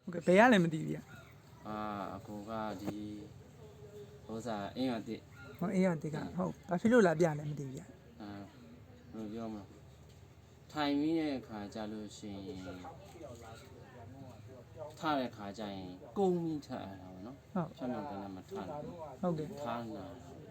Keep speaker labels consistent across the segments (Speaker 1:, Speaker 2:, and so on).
Speaker 1: Okay ဘယ်ရလဲမသိဘူးဗျ
Speaker 2: အကိုကဒီဥစားအင်းရတဲ့
Speaker 1: ဟောအေးရတိကဟုတ်ဘာဖြစ်လို့လာပြလဲမသိဘူးဗျ
Speaker 2: ဘယ်လိုပြောမလဲထိုင်ပြီးတဲ့အခါကြလို့ရှိရင်ထားတဲ့ခါကျရင်ကုန်းပြီးထားရတာပေါ့နော်ဖြတ်မြောက်တယ်လည်းမထားဘူး
Speaker 1: ဟုတ်ကဲ့
Speaker 2: ထားလာ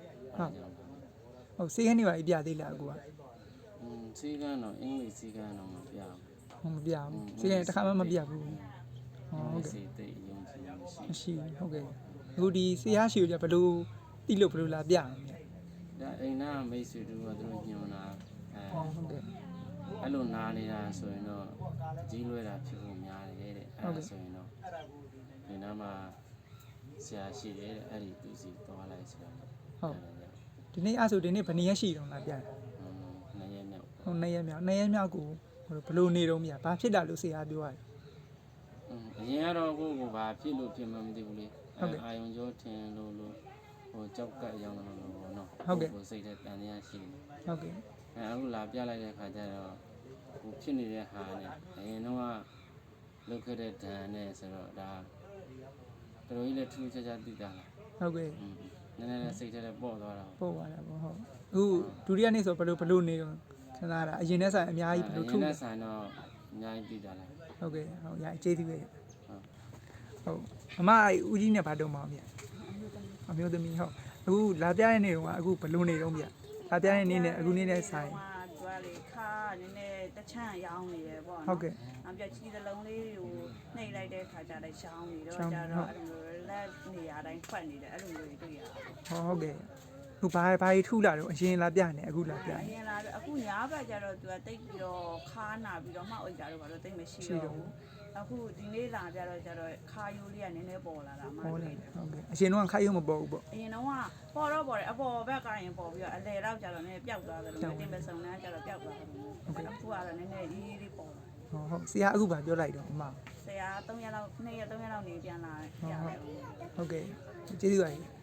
Speaker 1: ဟုတ်စေးကနေပါပြသေးလားအကိုက
Speaker 2: စေးကန်းတော့အင်္ဂလိပ်စေးကန်းတော့မပြဘူး
Speaker 1: မပြဘူးစေးကနေတစ်ခါမှမပြဘူး
Speaker 2: ဟုတ်ကဲ့စေးသိအယုံကြည်
Speaker 1: မရှိဟုတ်ကဲ့အခုဒီစေးရရှိကိုဘယ်လိုတိလို့ဘယ်လိုလာပြအောင်လဲ
Speaker 2: ဒါအိမ်နာမိတ်ဆွေတို့ကသူတို့ညွှန်တာ
Speaker 1: ဟုတ်ကဲ့
Speaker 2: အဲ့လိုနားနေတာဆိုရင်တော့ကြီးလွဲတာဖြစ်ဖို့များတယ်တဲ့အဲ့ဒါဆိုရင်တော့ဒီနားမှာဆရာရှိတယ်တဲ့အဲ့ဒီသူစီသွားလိုက်ဆိုတော့
Speaker 1: ဟုတ်ဒီနေ့အဲ့ဆိုဒီနေ့ဘယ်နည်းရရှိတော့လာပြတယ်
Speaker 2: နှစ်ရက်မြောက်
Speaker 1: ဟုတ်နှစ်ရက်မြောက်ကိုဘယ်လိုနေတော့မြဘာဖြစ်တာလို့ဆရာပြောရတယ်
Speaker 2: အရင်ကတော့ကိုဘာဖြစ်လို့ဖြစ်မှမသိဘူးလေအာယုံကျော်ထင်လို့ဟိုကြောက်ကပ်ရောင်းလို့ပေါ့နော်ကိုစိတ်ထဲတန်တရားရှိတယ်
Speaker 1: ဟုတ်ကဲ့
Speaker 2: အခုလာပြလိုက်တဲ့ခါကျတော့ဟိုဖြစ်နေတဲ့ဟာနဲ့အရင်တော့လုတ်ခဲ့တဲ့ဒဏ်နဲ့ဆိုတော့ဒါတော်ကြီးလည်းထူးခြားခြားသိတာလား
Speaker 1: ဟုတ်ကဲ့
Speaker 2: နည်းနည်းလေးစိတ်ထဲပေါ့သွားတာ
Speaker 1: ပေါ့သွားတာပေါ့ဟုတ်အခုဒုတိယနေ့ဆိုဘယ်လိုနေတော့ခဏတာအရင်နဲ့ဆိုင်အများကြီးဘယ်လို
Speaker 2: ထူးလဲဆိုင်တော့အများကြီးသိတာလား
Speaker 1: ဟုတ်ကဲ့ဟုတ်ရအခြေသေးပဲဟုတ်အမဦးကြီးနဲ့ဗာတော့မအောင်ဗျအမျိုးသမီးဟုတ်အခုလာပြတဲ့နေ့တော့အခုဘယ်လိုနေတော့ဗျလာပြတဲ့နေ့နဲ့အခုနေ့နဲ့ဆိုင်
Speaker 3: သူကလေခါနည်းနည်းတချမ်းရောင်းနေတယ်ပေါ့နော်
Speaker 1: ဟုတ်ကဲ့
Speaker 3: နောက်ပြချီသလုံးလေးကိုနှိပ်လိုက်တဲ့ခါကျတော့ရှောင်းနေတော့ကျတော့အဲ့လိုလက်နေရာတိုင်းဖွက်နေတယ်အဲ့လိုမျိုးတွေ့ရ
Speaker 1: ဟုတ်ကဲ့အခုဘာထူးလာတော့အရင်လာပြနေအခုလာပြ
Speaker 3: အရင်လာအခုညာဘက်ကျတော့သူကတိတ်ပြီးတော့ခါနာပြီးတော့မှအိတ်ကြတော့ဘာလို့တိတ်မရှိတော့ဘူးအခုဒီနေ့လာပြတော့ကျတော့ခါယိုးလေးကနည်းနည်းပေါ်လာတာမှ
Speaker 1: ဟုတ်ကဲ့အရင်တော့ခါယိုးမပေါ်ဘူးပေါ့
Speaker 3: အရင်တော့ပေါ်တော့ပေါ်တယ်အပေါ်ဘက်ကရင်ပေါ်ပြီးတော့အလဲတော့ကျတော့နည်းပျောက်သွားတယ်လို့တင်ပစုံနှမ်းကျတော့ပျောက်သွားတယ်အခုကတော့နည်းနည်းအေးလေးပေါ်လာ
Speaker 1: ဟုတ်ဆရာအခုဗာပြောလိုက်တော့အမ
Speaker 3: ဆရာ3ရက်လောက်2ရက်3ရက်လောက်နေပြန်လာရတယ်
Speaker 1: ဟုတ်ကဲ့ကျေးဇူးပါ